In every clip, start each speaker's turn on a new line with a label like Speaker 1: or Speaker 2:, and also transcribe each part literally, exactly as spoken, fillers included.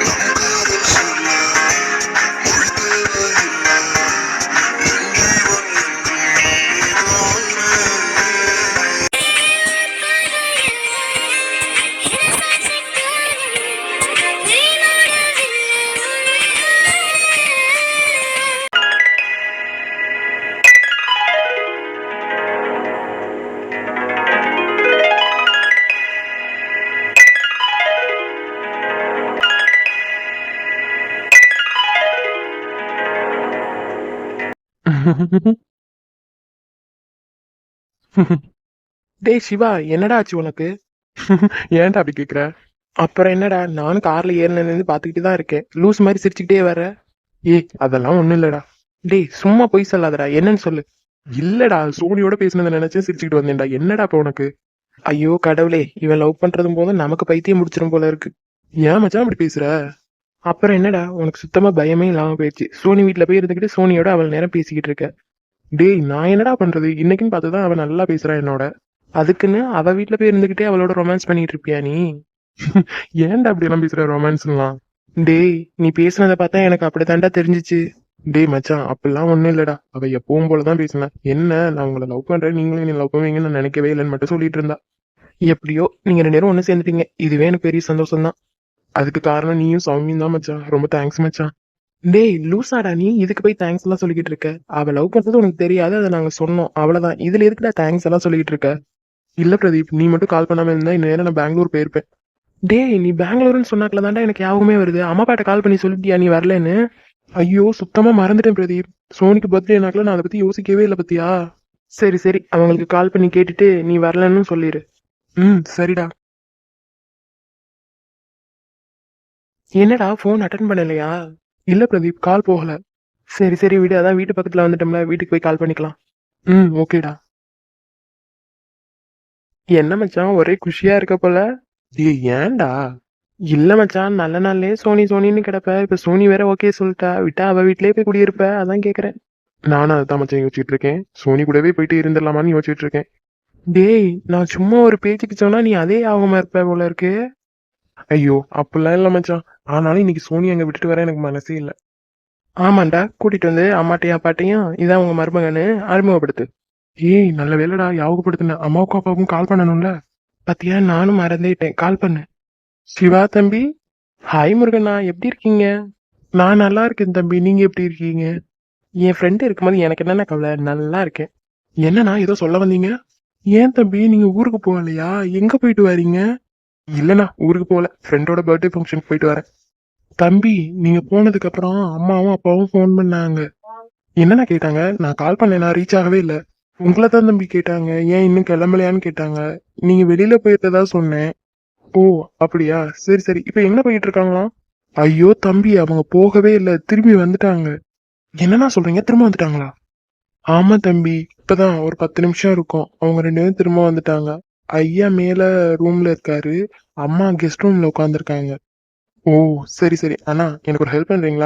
Speaker 1: டேய் சிவா, என்னடா ஆச்சு உனக்கு? ஏன்டா அப்படி கேக்குற? அப்புறம் என்னடா, நானும் கார்ல ஏறினது பாத்துக்கிட்டு தான் இருக்கேன். லூஸ் மாதிரி சிரிச்சுக்கிட்டே வர. ஏய் அதெல்லாம் ஒண்ணும் இல்லடா. டேய் சும்மா பொய் சொல்லாதடா, என்னன்னு சொல்லு. இல்லடா, சோனியோட பேசினதை நினைச்சு சிரிச்சுக்கிட்டு வந்தேன்டா. என்னடா இப்ப உனக்கு? ஐயோ கடவுளே, இவன் லவ் பண்றதும் போது நமக்கு பைத்தியம் முடிச்சிரும் போல இருக்கு. ஏன் மச்சான் அப்படி பேசுற? அப்புறம் என்னடா, உனக்கு சுத்தமா பயமே இல்லாம போயிடுச்சு. சோனி வீட்டுல போய் இருந்துகிட்டு சோனியோட அவள் நேரம் பேசிக்கிட்டு இருக்க. டேய் நான் என்னடா பண்றது, இன்னைக்குன்னு பார்த்துதான் அவன் நல்லா பேசுறான் என்னோட. அதுக்குன்னு அவ வீட்டுல போய் இருந்துகிட்டே அவளோட ரொமான்ஸ் பண்ணிட்டு இருப்பியா நீ? ஏன்டா அப்படி எல்லாம் பேசுற ரொமான்ஸ்லாம்? டேய் நீ பேசுனதை பார்த்தா எனக்கு அப்படித்தான்டா தெரிஞ்சிச்சு. டேய் மச்சான், அப்படிலாம் ஒண்ணும் இல்லடா. அவ எப்பவும் போலதான் பேசினேன். என்ன, நான் உங்களை லவ் பண்றேன், நீங்களும் என்ன லவ் பண்ணுவீங்கன்னு நான் நினைக்கவே இல்லைன்னு மட்டும் சொல்லிட்டு இருந்தா. எப்படியோ நீங்க ரெண்டு பேரும் ஒண்ணு சேர்ந்துட்டீங்க, இதுவே எனக்கு பெரிய சந்தோஷம் தான். அதுக்கு காரணம் நீயும் சௌமியும் தான் மச்சான். ரொம்ப தேங்க்ஸ் மச்சான். டேய் லூசாடா நீ, இதுக்கு போய் தேங்க்ஸ் எல்லாம் சொல்லிக்கிட்டு இருக்க? அவ லவ் பண்றது உனக்கு தெரியாது, அதை நாங்க சொன்னோம் அவ்வளவுதான். இதுல எதுக்குடா தேங்க்ஸ் எல்லாம் சொல்லிக்கிட்டு இருக்க? இல்ல பிரதீப், நீ மட்டும் கால் பண்ணாம இருந்தா இந்நேரம் நான் பெங்களூர் போயிருப்பேன். டேய் நீ பெங்களூர்னு சொன்னாக்கல தாண்டா எனக்கு யாவுமே வருது. அம்மா பாட்ட கால் பண்ணி சொல்லிட்டியா நீ வரலன்னு? ஐயோ சுத்தமா மறந்துட்டேன் பிரதீப். சோனிக்கு பர்த்டேனாக்கல நான் அதை பத்தி யோசிக்கவே இல்லை பத்தியா. சரி சரி, அவங்களுக்கு கால் பண்ணி கேட்டுட்டு நீ வரலன்னு சொல்லிடு. ம் சரிடா. என்னடா போன் அட்டன் பண்ணலையா? இல்ல பிரதீப், கால் போகல. சரி சரி விடு, அதான் வீட்டு பக்கத்துல வந்துட்டோம்ல, வீட்டுக்கு போய் கால் பண்ணிக்கலாம். ம் ஓகேடா. என்ன மச்சான் ஒரே குஷியா இருக்க போல? ஏய் ஏன்டா? இல்ல மச்சான், நல்ல நாள்லயே சோனி சோனின்னு கிடப்ப, இப்ப சோனி வேற ஓகே சொல்லிட்டா, விட்டா அவ வீட்லயே போய் குடியிருப்ப, அதான் கேக்குறேன். நானும் அதான் மச்சான் யோசிச்சுட்டு இருக்கேன். சோனி கூடவே போயிட்டு இருந்துடலாமான்னு யோசிச்சுட்டு இருக்கேன். டேய் நான் சும்மா ஒரு பேச்சுக்கு சொன்னா நீ அதே ஆகமா இருப்ப போல இருக்கு. ஐயோ அப்படிலாம் இல்ல மச்சான். ஆனாலும் இன்னைக்கு சோனி அங்க விட்டுட்டு வர எனக்கு மனசே இல்ல. ஆமாண்டா, கூட்டிட்டு வந்து அம்மாட்டையும் அப்பாட்டையும் இதான் உங்க மருமகன்னு அறிமுகப்படுத்து. ஏய் நல்ல வேலைடா ஞாபகப்படுத்தின, அம்மாவுக்கும் அப்பாவுக்கும் கால் பண்ணணும்ல. பாத்தியா, நானும் மறந்துட்டேன், கால் பண்ணு. சிவா தம்பி. ஹாய் முருகண்ணா, எப்படி இருக்கீங்க? நான் நல்லா இருக்கேன் தம்பி, நீங்க எப்படி இருக்கீங்க? என் ஃப்ரெண்டு இருக்கும்போது எனக்கு என்னென்ன கவலை, நல்லா இருக்கேன். என்னண்ணா ஏதோ சொல்ல வந்தீங்க? ஏன் தம்பி நீங்க ஊருக்கு போகலையா? எங்க போயிட்டு வரீங்க? இல்லண்ணா ஊருக்கு போகல, ஃப்ரெண்டோட பர்த்டே ஃபங்க்ஷனுக்கு போயிட்டு வரேன். தம்பி நீங்க போனதுக்கு அப்புறம் அம்மாவும் அப்பாவும் ஃபோன் பண்ணாங்க. என்னண்ணா கேட்டாங்க? நான் கால் பண்ணேன், நான் ரீச் ஆகவே இல்லை. உங்களை தான் தம்பி கேட்டாங்க, ஏன் இன்னும் கிளம்பலையான்னு கேட்டாங்க. நீங்க வெளியில போயிருந்ததா சொன்னேன். ஓ அப்படியா, சரி சரி. இப்ப எங்க போயிட்டு இருக்காங்களாம்? ஐயோ தம்பி, அவங்க போகவே இல்லை, திரும்பி வந்துட்டாங்க. என்னன்னா சொல்றீங்க, திரும்ப வந்துட்டாங்களா? ஆமா தம்பி, இப்பதான் ஒரு பத்து நிமிஷம் இருக்கும், அவங்க ரெண்டு பேரும் திரும்ப வந்துட்டாங்க. ஐயா மேல ரூம்ல இருக்காரு, அம்மா கெஸ்ட் ரூம்ல உட்காந்துருக்காங்க. ஓ சரி சரி. அண்ணா எனக்கு ஒரு ஹெல்ப் பண்றீங்களா?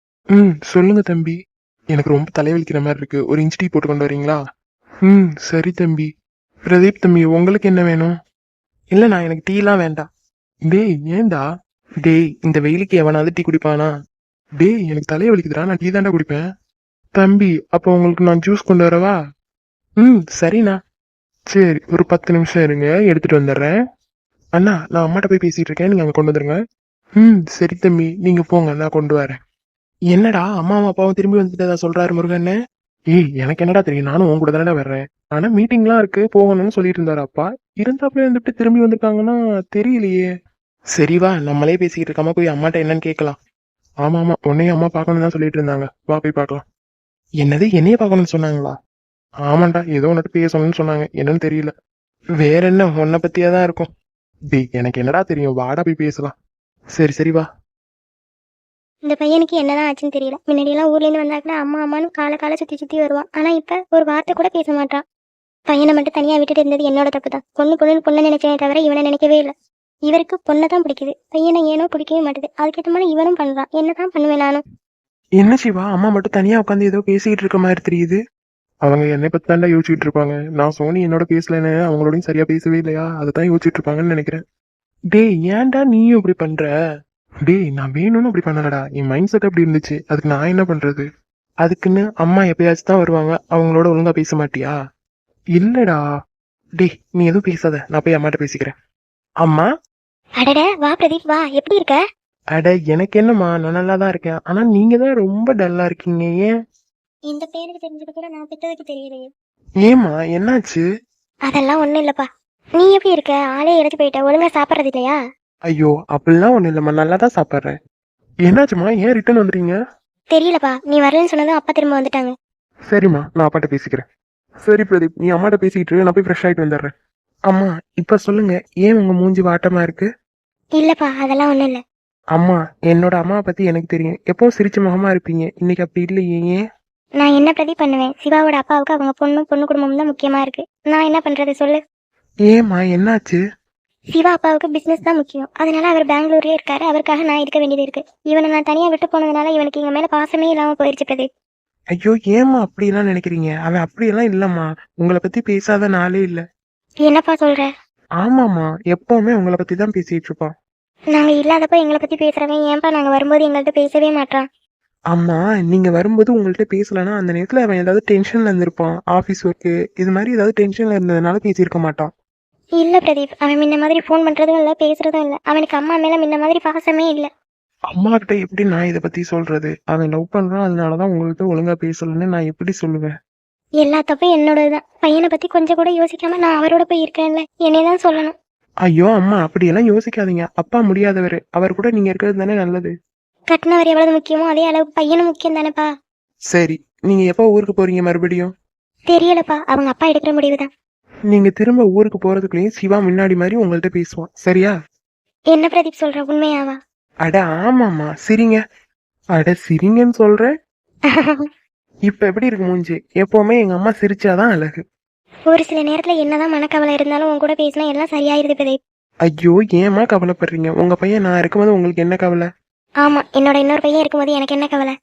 Speaker 1: ம் சொல்லுங்க தம்பி. எனக்கு ரொம்ப தலைவலிக்கிற மாதிரி இருக்கு, ஒரு இன்ச் டீ போட்டு கொண்டு வரீங்களா? ம் சரி தம்பி. பிரதீப் தம்பி, உங்களுக்கு என்ன வேணும்? இல்லண்ணா எனக்கு டீலாம் வேண்டாம். டேய் ஏன்டா? டேய் இந்த வெயிலுக்கு எவனாவது டீ குடிப்பானா? டேய் எனக்கு தலையை வலிக்குதுடா, நான் டீ தாண்டா குடிப்பேன். தம்பி அப்போ உங்களுக்கு நான் ஜூஸ் கொண்டு வரவா? ம் சரிண்ணா. சரி ஒரு பத்து நிமிஷம் இருங்க, எடுத்துட்டு வந்துடுறேன். அண்ணா நான் அம்மாட்ட போய் பேசிட்டு இருக்கேன், நீங்க அங்க கொண்டு வந்துருங்க. ம் சரி தம்பி, நீங்க போங்க, நான் கொண்டு வரேன். என்னடா அம்மாவும் அப்பாவும் திரும்பி வந்துட்டதா சொல்றாரு முருகன்? ஏய் எனக்கு என்னடா தெரியும், நானும் உன் கூட தானடா வர்றேன். ஆனா மீட்டிங்லாம் இருக்கு போகணும்னு சொல்லிட்டு இருந்தாரு அப்பா. இருந்தாப்புல இருந்துட்டு திரும்பி வந்திருக்காங்கன்னா தெரியலையே. சரி வா, நம்மளே பேசிக்கிட்டு இருக்காம போய் அம்மாட்ட என்னன்னு கேட்கலாம். ஆமா ஆமா, உன்னையும் அம்மா பார்க்கணும்னு தான் சொல்லிட்டு இருந்தாங்க, வா போய் பார்க்கலாம். என்னது, என்னைய பார்க்கணும்னு சொன்னாங்களா? ஆமாண்டா, ஏதோ ஒன்னுட்டு பேசணும்னு சொன்னாங்க, என்னன்னு தெரியல. வேற என்ன, உன்னை பத்தியா தான் இருக்கும். டேய் எனக்கு என்னடா தெரியும், வாடா போய் பேசலாம். சரி சரி வா.
Speaker 2: இந்த பையனுக்கு என்னதான் ஆச்சுன்னு தெரியல. முன்னாடியெல்லாம் ஊர்லேருந்து வந்தாக்கூட அம்மா அம்மான்னு காலை காலை சுற்றி சுற்றி வருவான். ஆனால் இப்போ ஒரு வார்த்தை கூட பேச மாட்டான். பையனை மட்டும் தனியாக விட்டுட்டு இருந்தது என்னோட தப்பு தான். பொண்ணு பொண்ணு பொண்ணை நினைச்சே தவிர இவனை நினைக்கவே இல்லை. இவருக்கு பொண்ணை தான் பிடிக்குது, பையனை ஏனோ பிடிக்கவே மாட்டுது. அதுக்கேற்ற மாதிரி இவனும் பண்ணுறான். என்ன தான் பண்ணுவேன் நானும்?
Speaker 1: என்ன சிவா, அம்மா மட்டும் தனியா உட்காந்து ஏதோ பேசிக்கிட்டு இருக்க மாதிரி தெரியுது. அவங்க என்னை பத்தி தாண்டா யோசிச்சுட்டு இருப்பாங்க. நான் சோனி என்னோட பேசலன்னு அவங்களோடையும் சரியா பேசவே இல்லையா, அதை தான் யோசிச்சுட்டு இருப்பாங்கன்னு நினைக்கிறேன். டேய் ஏன்டா நீயும் இப்படி பண்ற? டேய் நான் வேணும்னு அப்படி பண்ணலடா, என் மைண்ட் செட் அப்படி இருந்துச்சு, அதுக்கு நான் என்ன பண்றது? அதுக்குன்னு அம்மா எப்பயாச்சும் தான் வருவாங்க, அவங்களோட ஒழுங்கா பேச மாட்டியா? இல்லடா. டேய் நீ எதுவும் பேசாத, நான் போய் அம்மாட்ட பேசிக்கிறேன். அம்மா.
Speaker 2: அடட வா பிரதீப் வா, எப்படி இருக்க?
Speaker 1: அட எனக்கு என்னம்மா, நான் நல்லா தான் இருக்கேன். ஆனா நீங்க தான் ரொம்ப டல்லா இருக்கீங்க, ஏன்?
Speaker 2: இந்த பேருக்கு தெரிஞ்சது கூட நான் பெற்றதுக்கு தெரியலையே.
Speaker 1: ஏம்மா என்னாச்சு?
Speaker 2: அதெல்லாம் ஒண்ணும் இல்லப்பா. நீ எப்படி இருக்க? ஆளே இறச்சி போயிட்ட, ஒழுங்கா சாப்பிட்றது இல்லையா?
Speaker 1: ஐயோ அப்படிலாம் ஒண்ணும் இல்லம்மா, நல்லா தான் சாப்பிட்றேன். என்னாச்சும்மா, ஏன் ரிட்டர்ன் வந்துட்டீங்க?
Speaker 2: தெரியலப்பா, நீ வரலன்னு சொன்னதும் அப்பா திரும்ப வந்துட்டாங்க.
Speaker 1: சரிம்மா நான் அப்பாட்ட பேசிக்கிறேன். சரி பிரதீப், நீ அம்மாட்ட பேசிக்கிட்டு இரு, நான் போய் ஃப்ரெஷ் ஆயிட்டு வந்துடுறேன். அம்மா இப்ப சொல்லுங்க, ஏன் உங்க மூஞ்சி வாட்டமா இருக்கு?
Speaker 2: இல்லப்பா அதெல்லாம் ஒண்ணும் இல்ல.
Speaker 1: அம்மா என்னோட அம்மாவை பத்தி எனக்கு தெரியும், எப்பவும் சிரிச்ச முகமா இருப்பீங்க, இன்னைக்கு அப்படி இல்லையே, ஏன்?
Speaker 2: நான் என்ன பிரதீப் பண்ணுவேன்? சிவாவோட அப்பாவுக்கு அவங்க பொண்ணும் பொண்ணு குடும்பமும் தான் முக்கியமா இருக்கு. நான் என்ன பண்றது சொல்லு?
Speaker 1: ஏம்மா என்னாச்சு?
Speaker 2: சிவா அப்பாவுக்கு பிசினஸ் தான் முக்கியம், அதனால அவர் பெங்களூர்லயே இருக்காரு. அவருக்காக நான் இருக்க வேண்டியது இருக்கு. இவனை நான் தனியா விட்டு போனதுனால இவனுக்கு எங்க மேல பாசமே இல்லாம போயிருச்சு பிரதீப்.
Speaker 1: ஐயோ ஏம்மா அப்படியெல்லாம் நினைக்கிறீங்க, அவன் அப்படியெல்லாம் இல்லம்மா, உங்களை பத்தி பேசாத நாளே இல்ல.
Speaker 2: என்னப்பா சொல்ற?
Speaker 1: ஆமாம்மா, எப்பவுமே உங்களை பத்தி தான் பேசிட்டு இருப்பான்.
Speaker 2: நாங்க இல்லாதப்ப எங்களை பத்தி பேசுறவன் ஏன்பா நாங்க வரும்போது எங்கள்கிட்ட பேசவே மாட்டான்?
Speaker 1: அம்மா நீங்க வரும்போது உங்கள்ட்ட பேசலன்னா அந்த நேரத்துல அவன் ஏதாவது டென்ஷன்ல இருந்திருப்பான், ஆபீஸ் ஒர்க்கு இது மாதிரி ஏதாவது டென்ஷன்ல இருந்ததுனால பேசியிருக்க மாட்டான்.
Speaker 2: இல்ல பிரதீப், அவன் முன்ன மாதிரி ஃபோன் பண்றதும் இல்ல, பேசுறதும் இல்ல. அவனுக்கு அம்மா மேல முன்ன மாதிரி பாசமே இல்ல.
Speaker 1: அம்மா கிட்ட எப்படி நான் இதை பத்தி சொல்றது? அவன் லவ் பண்றான், அதனாலதான் உங்கள்கிட்ட ஒழுங்கா பேசலன்னு நான் எப்படி சொல்லுவேன்?
Speaker 2: எல்லா தப்பும் என்னோடதுதான். பையனை பத்தி கொஞ்சம் கூட யோசிக்காம நான் அவரோட போய் இருக்கேன்ல, என்னையதான் சொல்லணும்.
Speaker 1: ஐயோ அம்மா அப்படியெல்லாம் யோசிக்காதீங்க, அப்பா முடியாதவர், அவர் கூட நீங்க இருக்கிறது தானே நல்லது.
Speaker 2: கட்டினவர் எவ்வளவு முக்கியமோ அதே அளவுக்கு பையனும் முக்கியம் தானேப்பா.
Speaker 1: சரி, நீங்க எப்போ ஊருக்கு போறீங்க மறுபடியும்?
Speaker 2: தெரியலப்பா, அவங்க அப்பா எடுக்கிற முடிவுதான்.
Speaker 1: நீங்க திரும்ப ஊருக்கு போறதுக்குள்ளேயும் சிவா முன்னாடி மாதிரி உங்கள்ட்ட பேசுவான், சரியா?
Speaker 2: என்ன பிரதீப் சொல்ற, உண்மையாவா?
Speaker 1: அட ஆமாம்மா, சிரிங்க. அட சிரிங்கன்னு சொல்றேன். இப்ப எப்படி இருக்கு மூஞ்சி? எப்பவுமே எங்க அம்மா சிரிச்சாதான் அழகு.
Speaker 2: ஒரு சில நேரத்துல என்னதான் மனக்கவலை இருந்தாலும் உன் கூட பேசினா எல்லாம் சரியாயிருது பிரதீப்.
Speaker 1: ஐயோ ஏமா கவலைப்படுறீங்க? உங்க பையன் நான் இருக்கும்போது உங்களுக்கு என்ன கவலை?
Speaker 2: ஆமா, என்னோட இன்னொரு பையன் இருக்கும்போது எனக்கு என்ன கவலை?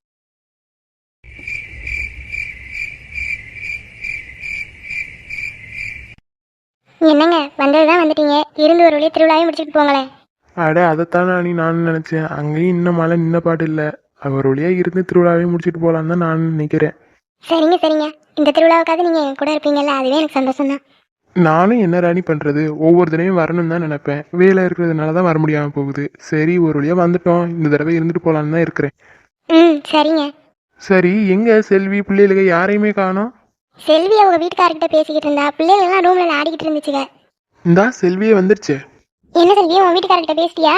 Speaker 2: என்னங்க வந்ததுதான் வந்துட்டீங்க, இருந்து ஒரு வழியே திருவிழாவையும் முடிச்சுட்டு போங்களேன்.
Speaker 1: அட அதைத்தான் நீ நானும் நினைச்சேன், அங்கேயும் இன்னும் மழை நின்ன பாடு இல்ல. அவர் வழியா இருந்து திருவிழாவே முடிச்சிட்டு போலான்னு தான் நான் நினைக்கிறேன்.
Speaker 2: சரிங்க சரிங்க, இந்த திருவிழாவுக்காவது நீங்க என் கூட இருப்பீங்கல்ல, அதுவே எனக்கு சந்தோஷம் தான்.
Speaker 1: நானும் என்ன ராணி பண்றது, ஒவ்வொரு தடவையும் வரணும்னு தான் நினைப்பேன், வேலை இருக்கிறதுனால தான் வர முடியாம போகுது. சரி ஒரு வழியா வந்துட்டோம், இந்த தடவை இருந்துட்டு போலான்னு தான் இருக்கிறேன்.
Speaker 2: ம் சரிங்க.
Speaker 1: சரி எங்க செல்வி பிள்ளைகளுக்கு யாரையுமே காணோம்?
Speaker 2: செல்வி அவங்க வீட்டுக்காரர்கிட்ட பேசிக்கிட்டு இருந்தா, பிள்ளைகள் எல்லாம் ரூம்ல ஆடிக்கிட்டு இருந்துச்சுங்க.
Speaker 1: இந்தா செல்வியே வந்துருச்சு.
Speaker 2: என்ன செல்வி, உன் வீட்டுக்காரர்கிட்ட பேசிட்டியா?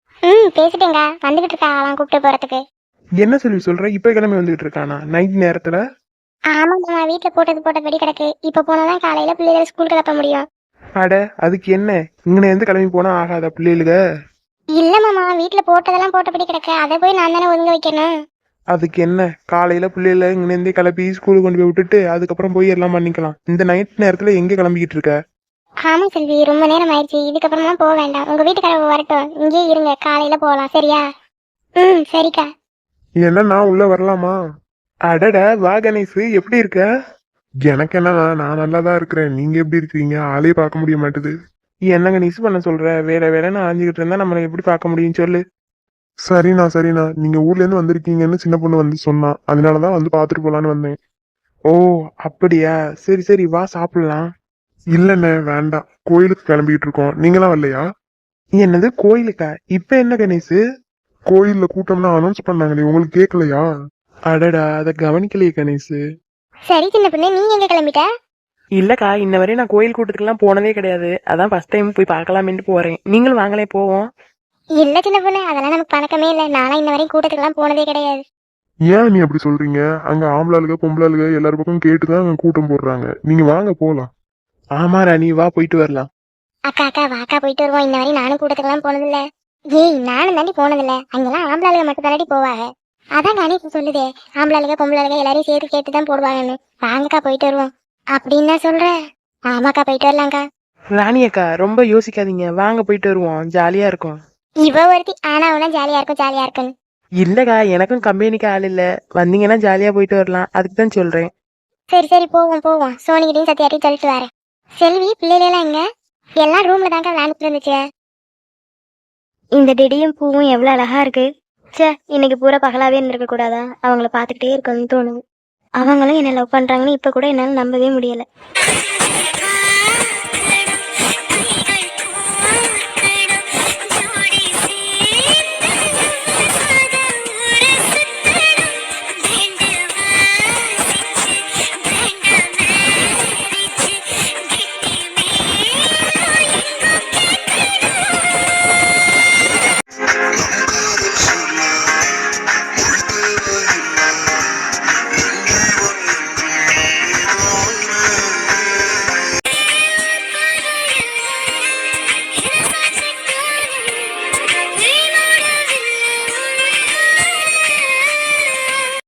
Speaker 2: ம் பேசிட்டேங்க, வந்துகிட்டு இருக்கா அவன் கூப்பிட்டு போறதுக்கு.
Speaker 1: என்ன செல்வி சொல்ற, இப்ப கிளம்பி வந்துகிட்டு இருக்கானா நைட் நேரத்துல?
Speaker 2: ஆமாம்மா, வீட்டுல போட்டது போட்டபடி கிடக்கு. இப்ப போனாதான் காலையில பிள்ளைகளை ஸ்கூல் கிளப்ப முடியும்.
Speaker 1: அட அதுக்கு என்ன, இங்கன இருந்து கிளம்பி போனா ஆகாத பிள்ளைகளுக?
Speaker 2: இல்ல மாமா, வீட்டுல போட்டதெல்லாம் போட்டபடி கிடக்கு, அதை போய் நான் தானே ஒதுங்க வைக்கணும்.
Speaker 1: அதுக்கு என்ன, காலையில பிள்ளைகள இங்க இருந்தே கிளப்பி ஸ்கூலுக்கு கொண்டு போய் விட்டுட்டு அதுக்கப்புறம் போய் எல்லாம் பண்ணிக்கலாம். இந்த நைட் நேரத்துல எங்க கிளம்பிக்கிட்டு இருக்க?
Speaker 2: ஆமா செல்வி, ரொம்ப நேரம் ஆயிடுச்சு, இதுக்கப்புறமா போக வேண்டாம். உங்க வீட்டுக்காரங்க வரட்டும், இங்கே இருங்க, காலையில போகலாம் சரியா? ம் சரிக்கா.
Speaker 1: என்ன நான் உள்ள வரலாமா? அடட வா கணேஷ், எப்படி இருக்க? எனக்கு என்ன, நான் நல்லா தான் இருக்கிறேன், நீங்க எப்படி இருக்கீங்க? ஆளே பார்க்க முடிய மாட்டுது. என்ன கணேஷ் பண்ண சொல்ற, வேலை வேலைன்னு அலைஞ்சுக்கிட்டு இருந்தா நம்மளை எப்படி பார்க்க முடியும் சொல்லு? சரிண்ணா சரிண்ணா, நீங்க ஊர்ல இருந்து வந்திருக்கீங்கன்னு சின்ன பொண்ணு வந்து சொன்னா, அதனாலதான் வந்து பாத்துட்டு போலான்னு வந்தேன். ஓ அப்படியா, சரி சரி வா சாப்பிடலாம். இல்லண்ணே வேண்டாம், கோயிலுக்கு கிளம்பிட்டு இருக்கோம், நீங்களாம் வரலையா? என்னது கோயிலுக்கா? இப்ப என்ன கணேசு? கோயில்ல கூட்டம்லாம் அனௌன்ஸ் பண்ணாங்களே, உங்களுக்கு கேட்கலையா? அடடா அத கவனிக்கலையே கணேசு.
Speaker 2: சரி சின்ன பொண்ணு, நீ எங்க கிளம்பிட்ட?
Speaker 1: இல்லக்கா, இன்ன வரையும் நான் கோயில் கூட்டத்துக்குலாம் போனதே கிடையாது, அதான் ஃபர்ஸ்ட் டைம் போய் பார்க்கலாமேன்ட்டு போறேன். நீங்களும் வாங்களே போவோம்.
Speaker 2: இல்ல சின்ன பொண்ணு, அதெல்லாம் நமக்கு பழக்கமே இல்லை. நானும் இன்ன வரையும் கூட்டத்துக்குலாம் போனதே கிடையாது.
Speaker 3: ஏன் நீ அப்படி சொல்றீங்க? அங்க ஆம்பளாளுக பொம்பளாளுக எல்லாரும் பக்கம் கேட்டுதான் அங்க கூட்டம் போடுறாங்க. நீங்க வாங்க போலாம்.
Speaker 1: ஆமா ராணி, வா போயிட்டு வரலாம்.
Speaker 2: அக்கா அக்கா வாக்கா போயிட்டு வருவோம். இன்ன வரையும் நானும் கூட்டத்துக்குலாம் போனதில்ல. ஏய் நானும் தாண்டி போனதில்ல, அங்கெல்லாம் ஆம்பளாளுக மட்டும் தாண்டி போவாங்க. அதான் கணேஷ் சொல்லுதே, ஆம்பளாளுக பொம்பளாளுக எல்லாரையும் சேர்த்து கேட்டுதான் போடுவாங்கன்னு. வாங்கக்கா போயிட்டு வருவோம். அப்படின்னு தான் சொல்ற? ஆமாக்கா போயிட்டு வரலாம்க்கா.
Speaker 1: ராணி அக்கா ரொம்ப யோசிக்காதீங்க, வாங்க போயிட்டு வருவோம், ஜாலியா இருக்கும்.
Speaker 2: இவ ஒருத்தி ஆனா உனா ஜாலியா இருக்கும் ஜாலியா இருக்குன்னு.
Speaker 1: இல்லக்கா, எனக்கும் கம்பெனிக்கு ஆள் இல்ல, வந்தீங்கன்னா ஜாலியா போயிட்டு வரலாம், அதுக்கு தான் சொல்றேன்.
Speaker 2: சரி சரி போவோம் போவோம், சோனிகிட்டையும் சத்தியாட்டையும் சொல்லிட்டு வரேன். செல்வி பிள்ளைகளெல்லாம் எங்க? எல்லாம் ரூம்ல தாங்க விளையாண்டுட்டு இருந்துச்சு. இந்த டெடியும் பூவும் எவ்வளோ அழகா இருக்கு. ச்சே, இன்னைக்கு பூரா பகலாவே இருந்திருக்க கூடாதா? அவங்கள பார்த்துக்கிட்டே இருக்கணும்னு தோணுது. அவங்களும் என்ன லவ் பண்றாங்கன்னு இப்ப கூட என்னால நம்பவே முடியல.